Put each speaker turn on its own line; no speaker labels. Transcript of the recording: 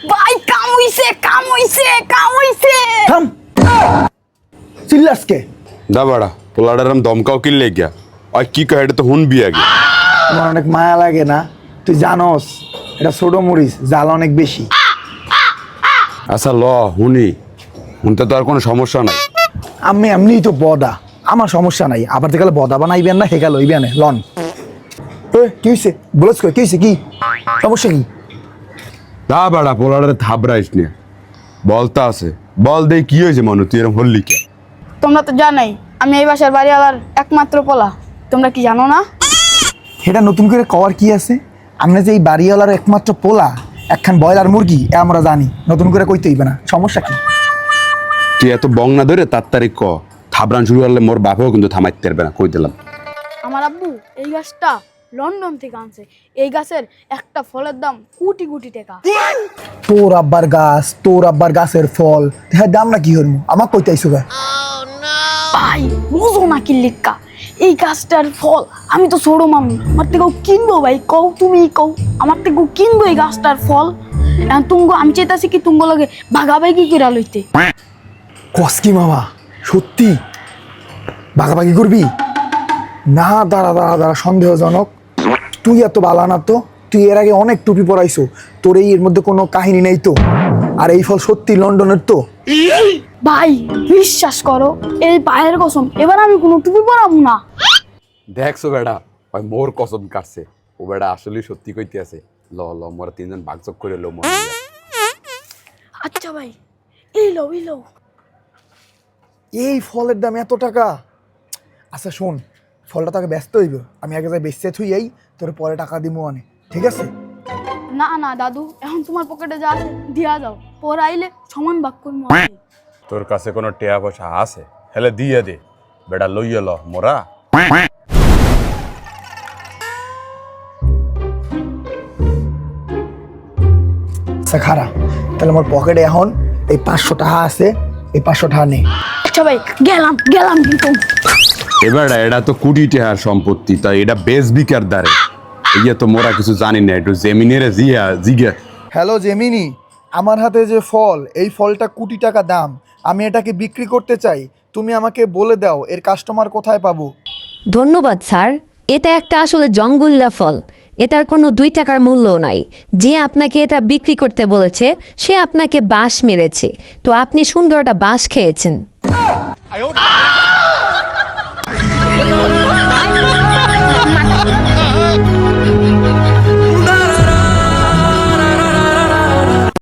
ভাই কাম হইছে
থাম চিল্লাসকে
দা বাড়া পোলাডার দমকাও কিনলে গিয়া আর কি কয় এটা তো হুনবি আগে
আমার অনেক মায়া লাগে না তুই জানোস এটা ছোট মরিচ জাল অনেক বেশি
আচ্ছা ল হুনতে তো আর কোনো সমস্যা নাই
আমি এমনিই তো বদা আমার সমস্যা নাই আবার থেকে বদা বানাইবেন না হেকা লইবেন লন কি হয়েছে বলছ কি হয়েছে কি সমস্যা কি
দা বাড়া পোলাডারে থাবরাইস নিয়ে বলতা আছে বল দে কি হয়েছে মনু তুই এরকম হল্লি কে
তোমরা তো জানাই আমি এই বাসার বাড়িওয়ালার একমাত্র পোলা তোমরা কি জানো না
এটা নতুন করে কওয়ার কি আছে আমরা যে এই বাড়িওয়ালার একমাত্র পোলা একখান ব্রয়লার মুরগি এ আমরা জানি নতুন করে কইতে হইবে না সমস্যা কি
তুই এত বং না ধরে তার তারিখ ক থাবরান শুরু করলে মোর বাপও কিন্তু থামাইতে পারবে না কই দিলাম
আমার আব্বু এই গাছটা লন্ডন থেকে আনছে এই গাছের একটা ফলের দাম কোটি কোটি টাকা
তোর আব্বার গাছের ফল হ্যাঁ দাম না কি হইমু আমাক কইতে আইছো গা
ভাই বুঝো না কি লিখা এই গাছটার ফল আমি তো ছোট মানুষ আমার থেকেও কিনবো ভাই কও তুমি কও আমার থেকেও কিনবো এই গাছটার ফল এখন আমি চাইতাছি কি তুঙ্গ লগে ভাগাভাগি করে লইতে
কস কি মামা সত্যি ভাগাভাগি করবি না দাঁড়া সন্দেহজনক তুই এত বালা না তো তুই এর আগে অনেক টুপি পরাইছো তোর এর মধ্যে কোনো কাহিনী নেই তো আর এই ফল সত্যি লন্ডনের তো
ভাই বিশ্বাস করো এই পায়ের কসম এবার আমি কোনো টুপি পরাবো না
দেখছো বেড়া ওই মোর কসম কাটছে ও বেড়া আসলে সত্যি কইতে আছে ল মোরা তিনজন ভাগযোগ করে লো মন
আচ্ছা ভাই এই লো
এই ফলের দাম এত টাকা আচ্ছা শোন ফলটা তাকে ব্যস্ত হইব আমি আগে যাই বেচতে থুই এই তোর পরে টাকা দিমু অনে ঠিক আছে
না না দাদু এখন তোমার পকেটে যা আছে দিয়া যাও পরে আইলে সমান ভাগ করবো
তোর কাছে কোনো টেয়া পয়সা আছে হেলে দিয়ে দে বেটা লইয়ে ল মোরা
আচ্ছা খারা তাহলে আমার পকেটে এখন এই 500 টাকা আছে এই 500 টাকা নে
আচ্ছা ভাই গেলাম কিন্তু
এবার এটা তো কোটি টাকার সম্পত্তি তাই এটা বেশ বিকার দ্বারে ইয়ে তো মোরা কিছু জানি না একটু জেমিনের জিগা
হ্যালো জেমিনি আমার হাতে যে ফল এই ফলটা কোটি টাকা দাম আমি এটাকে বিক্রি করতে চাই তুমি আমাকে বলে দাও এর কাস্টমার কোথায় পাবো
ধন্যবাদ স্যার এটা একটা আসলে জঙ্গল্লা ফল এটার কোনো 2 টাকার মূল্য নাই যে আপনাকে এটা বিক্রি করতে বলেছে সে আপনাকে বাঁশ মেরেছে তো আপনি সুন্দর একটা বাঁশ খেয়েছেন